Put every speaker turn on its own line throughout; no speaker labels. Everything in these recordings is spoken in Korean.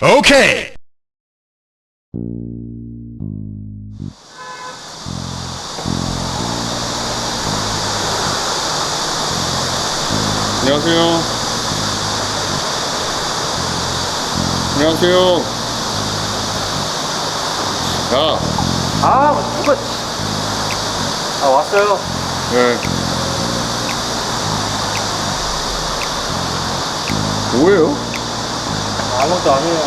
오케이.
안녕하세요. 안녕하세요. 야.
누가 왔어요.
네. 뭐예요?
아무것도 아니에요.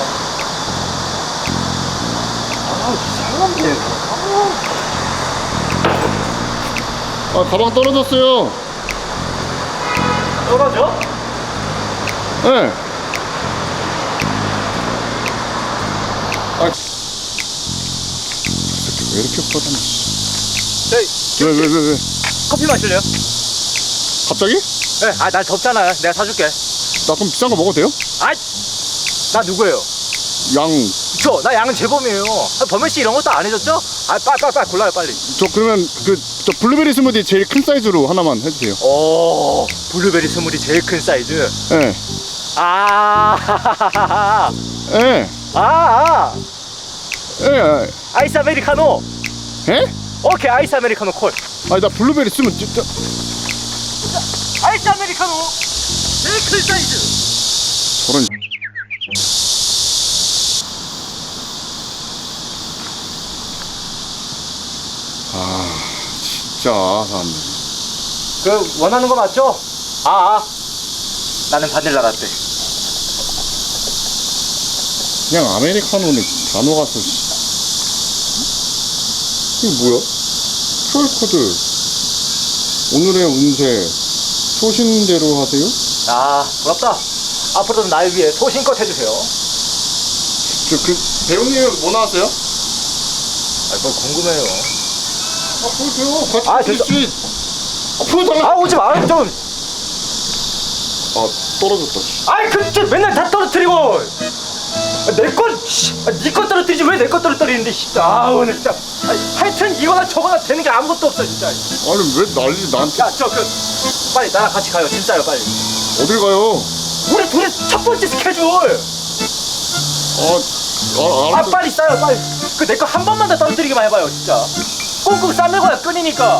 이상한데.
가방 떨어졌어요.
떨어져?
네. 왜 이렇게 뻗었나? 왜?
커피 마실래요?
갑자기?
네, 날 덥잖아요. 내가 사줄게.
나 그럼 비싼 거 먹어도 돼요?
나 누구예요?
양.
나 양은 재범이에요. 범현 씨 이런 것도 안 해줬죠? 빨리 골라요, 빨리.
저 그러면 저 블루베리 스무디 제일 큰 사이즈로 하나만 해주세요.
블루베리 스무디 제일 큰 사이즈.
네. 네. 네.
아이스 아메리카노.
에?
오케이, 아이스 아메리카노 콜.
아니 나 블루베리 스무디
아이스 아메리카노 제일 큰 사이즈.
저런. 진짜 사람들.
그 원하는 거 맞죠? 나는 바닐라 라떼.
그냥 아메리카노는 단어가 써. 이게 뭐야? QR코드. 오늘의 운세 소신대로 하세요?
부럽다. 앞으로도 날 위해 소신껏 해주세요.
배우님은 뭐 나왔어요?
뭘 궁금해요.
보여줘요. 같이
됐어.
보여달라.
오지 마, 좀.
떨어졌다.
그 맨날 다 떨어뜨리고. 네 거 떨어뜨리지 왜 내 거 떨어뜨리는데, 진짜. 오늘 진짜. 하여튼 이거나 저거나 되는 게 아무것도 없어, 진짜.
아니 왜 난리 나한테.
빨리 나랑 같이 가요, 진짜요, 빨리.
어딜 가요?
우리 둘의 첫 번째 스케줄.
알았어.
빨리 싸요, 빨리. 내 거 한 번만 더 떨어뜨리기만 해봐요, 진짜. 꽁꽁 싸매고야 끈이니까.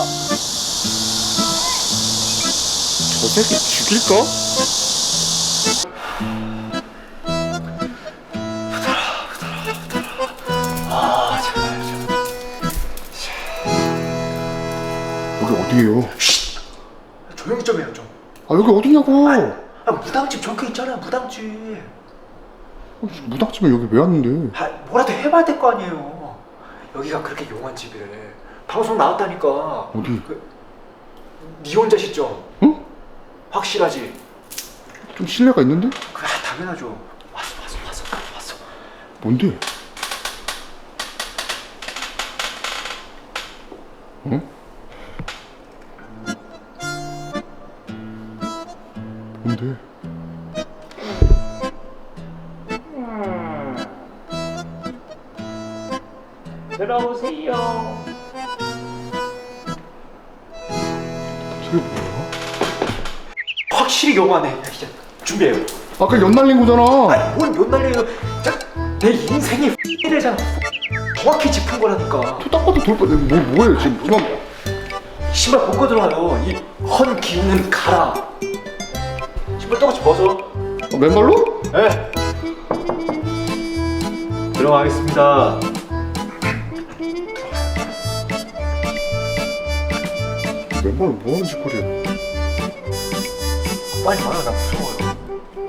저 새끼 죽일까? 여기 어디예요?
조용히 좀 해요, 좀.
여기 어디냐고?
무당집 적혀 있잖아요, 무당집.
무당집에 여기 왜 왔는데?
뭐라도 해봐야 될 거 아니에요. 여기가 그렇게 용한 집이래. 방송 나왔다니까.
어디?
네 혼자 시점.
응?
확실하지?
좀 신뢰가 있는데?
당연하죠. 왔어.
뭔데? 응? 뭔데?
들어오세요.
저게 뭐야?
확실히 용하네. 진짜 준비해요.
아까 연 날린 거잖아.
뭔 연날려요. 내 인생이 X래잖아. 정확히 짚은 거라니까.
딱 봐도 돌뻔. 뭐예요 지금? 그만.
신발 벗고 들어와요. 이 헌 기운은 가라. 신발 똑같이 벗어.
맨발로?
네. 들어가겠습니다.
맨발로 뭐하는 짓거리야?
빨리 와요. 나 무서워요.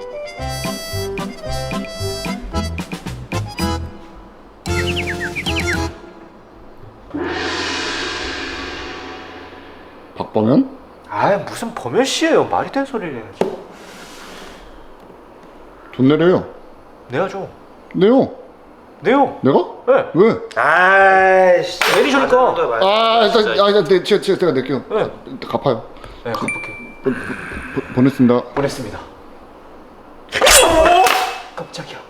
박범현?
무슨 범현 씨예요. 말이 되는 소리를 해야지.
돈 내려요.
내야죠.
내요.
내요.
내가?
네.
왜?
아이씨. 내리시니까.
일단 제가 낼게요.
네.
일단 갚아요.
네, 갚을게요.
보냈습니다.
보냈습니다. 깜짝이야.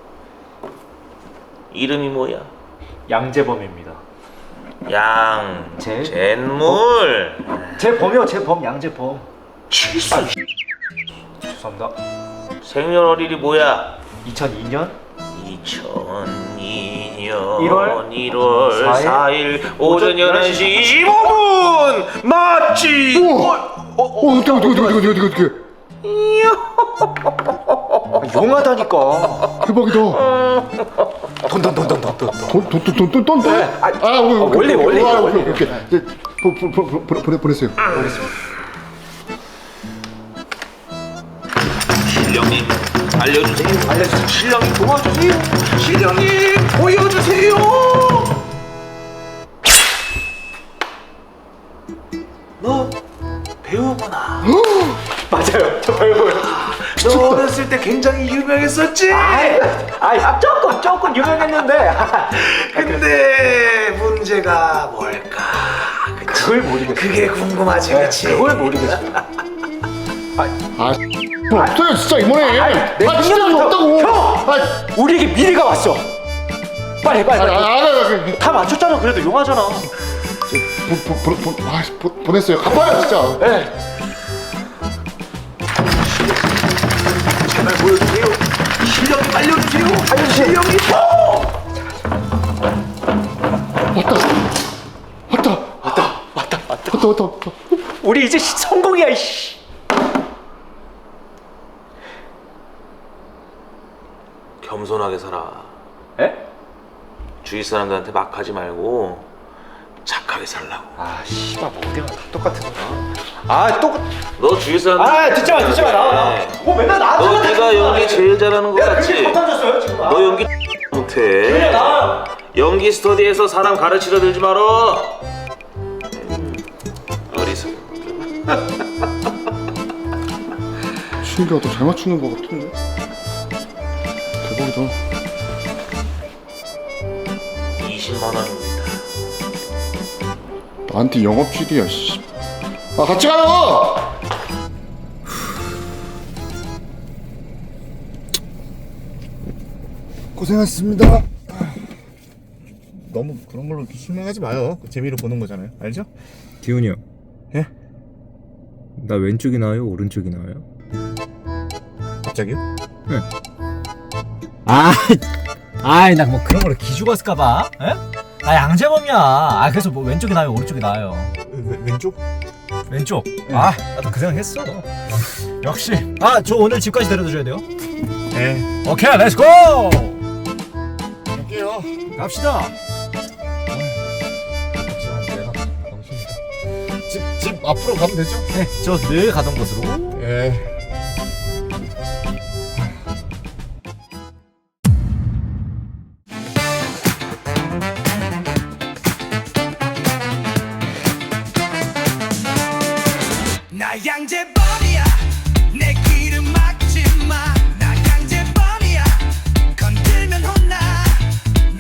이름이 뭐야?
양재범입니다.
젠물.
재범이요, 재범, 양재범. 죄송합니다.
생년월일이 뭐야?
2002년
2002년
1월
1월 4일 오전
오전
11시 25분 맞지?
어떻게
용하다니까.
대박이다.
돈.
돈?
원래.
오케이. 이제 보냈어요.
신령님 알려주세요. 신령님 도와주세요. 신령님 보여주세요. 너 배우구나.
맞아요. 저 배우예요.
너 어렸을 때 굉장히 유명했었지?
조금 유명했는데.
근데 문제가 뭘까?
그걸 모르겠어.
그게 궁금하지, 그치?
그걸 모르겠어.
없어요 진짜 이번에.
내
진짜
능력이
없다고.
형! 우리에게 미래가 왔어. 빨리. 다 맞췄잖아. 그래도 용하잖아.
보냈어요. 갚아요 진짜.
네.
제발 보여주세요. 실력이 알려주세요. 실력이
왔다.
우리 이제 성공이야. 이씨.
겸손하게 살아.
에?
주위 사람들한테 막 하지 말고 착하게 살라고.
씨발 뭐 어디가 다 똑같은 거야.
너 주위 사람들.
듣지 마. 나와. 뭐 맨날 나한테.
너 네가 연기 제일 잘하는 거
내가
같지?
그렇게 못하셨어요 지금.
너 연기 못해.
그래 나와요.
연기 스터디에서 사람 가르치려 들지 마라. 어리석어.
신기가 더 잘 맞추는 것 같은데. 대박이다.
20만 원입니다.
나한테 영업 GD야 씨. 같이 가요. 고생하셨습니다. 너무 그런 걸로 실망하지 마요. 재미로 보는 거잖아요. 알죠?
기훈이 형.
예?
나 왼쪽이 나아요? 오른쪽이 나아요?
갑자기요?
네. 아이 나 뭐 그런 거를 기죽었을까봐. 에? 나 양재범이야. 그래서 뭐 왼쪽이 나아요? 오른쪽이 나아요?
왼쪽?
왼쪽. 나도 그 생각했어. 역시. 저 오늘 집까지 데려다 줘야 돼요?
네.
오케이, 렛츠고!
갈게요.
갑시다.
집 앞으로 가면 되죠?
네, 저 늘 가던 곳으로.
예.
나 양재범